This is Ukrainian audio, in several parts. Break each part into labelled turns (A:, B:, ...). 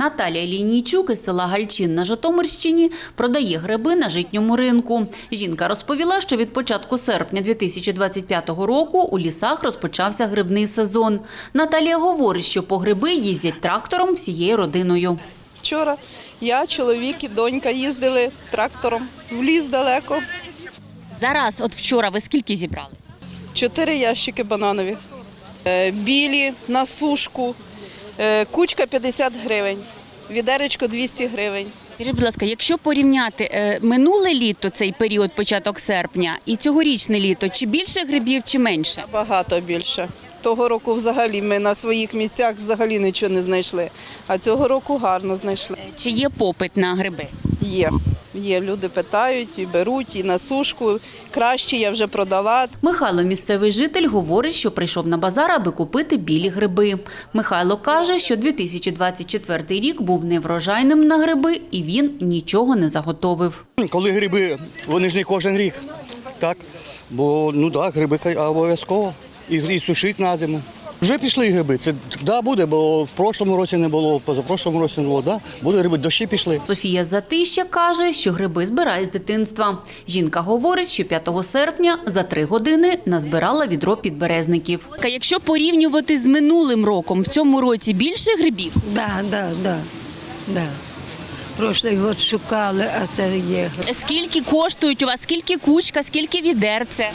A: Наталія Лінійчук із села Гальчин на Житомирщині продає гриби на житньому ринку. Жінка розповіла, що від початку серпня 2025 року у лісах розпочався грибний сезон. Наталія говорить, що по гриби їздять трактором всією родиною.
B: Вчора я, чоловік і донька їздили трактором в ліс далеко.
A: Зараз, от вчора, ви скільки зібрали?
B: 4 ящики бананові, білі на сушку, кучка 50 гривень, відеречко 200 гривень.
A: Скажіть, будь ласка, якщо порівняти минуле літо, цей період, початок серпня, і цьогорічне літо, чи більше грибів, чи менше?
B: Багато більше. Того року взагалі ми на своїх місцях взагалі нічого не знайшли, а цього року гарно знайшли.
A: Чи є попит на гриби?
B: Є, люди питають і беруть, і на сушку. Краще я вже продала.
A: Михайло, місцевий житель, говорить, що прийшов на базар, аби купити білі гриби. Михайло каже, що 2024 рік був неврожайним на гриби і він нічого не заготовив.
C: Коли гриби, вони ж не кожен рік, так? Бо, гриби обов'язково і сушити на зиму. Вже пішли гриби, це буде, бо в прошлому році не було, позапрошлому році не було, буде гриби, дощі пішли.
A: Софія Затища каже, що гриби збирає з дитинства. Жінка говорить, що 5 серпня за 3 години назбирала відро підберезників. Якщо порівнювати з минулим роком, в цьому році більше грибів?
D: Да. Прошлий год шукали, а це є.
A: Скільки коштують у вас, скільки кучка, скільки відерце?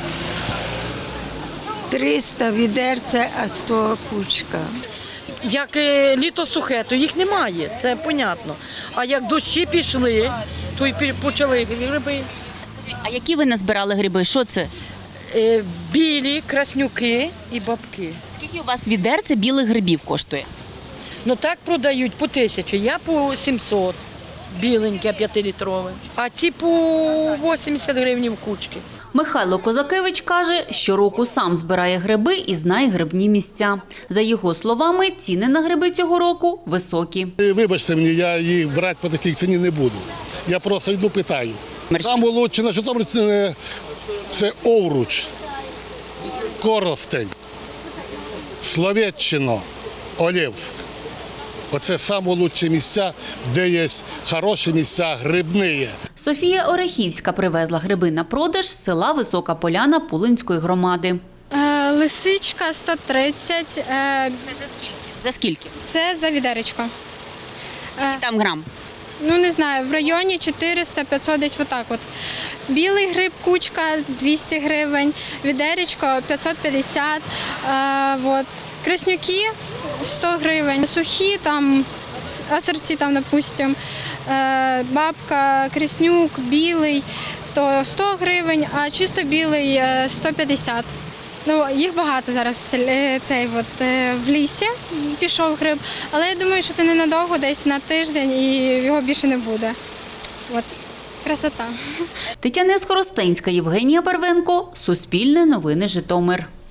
D: 300 відерце, а 100 кучка.
E: Як літо сухе, то їх немає, це понятно. А як дощі пішли, то й почали гриби.
A: А які ви назбирали гриби? Що це?
E: Білі, краснюки і бабки.
A: Скільки у вас відерце білих грибів коштує?
E: Ну так продають по 1000, я по 700, біленьке 5-літрове, а ті по 80 гривень в кучки.
A: Михайло Козакевич каже, щороку сам збирає гриби і знає грибні місця. За його словами, ціни на гриби цього року високі.
F: Вибачте мені, я їх брати по такій ціні не буду. Я просто йду питаю. Саме лучше на Житомирщині – це Овруч, Коростень, Словеччина, Олевськ. Оце найкращі місця, де є хороші місця, грибні.
A: Софія Орехівська привезла гриби на продаж з села Висока Поляна Пулинської громади.
G: Лисичка 130.
A: Це за скільки? За скільки?
G: Це за відеречко.
A: Там грам?
G: Ну, не знаю, в районі 400-500 десь отак от. Білий гриб, кучка 200 гривень, відеречко 550, краснюки 100 гривень, сухі там, асорті там, допустим, бабка, краснюк, білий, то 100 гривень, а чисто білий 150. Ну, їх багато зараз в лісі пішов гриб, але я думаю, що це ненадовго, десь на тиждень і його більше не буде. От, красота.
A: Тетяна Скоростенська, Євгенія Барвенко, Суспільне новини, Житомир.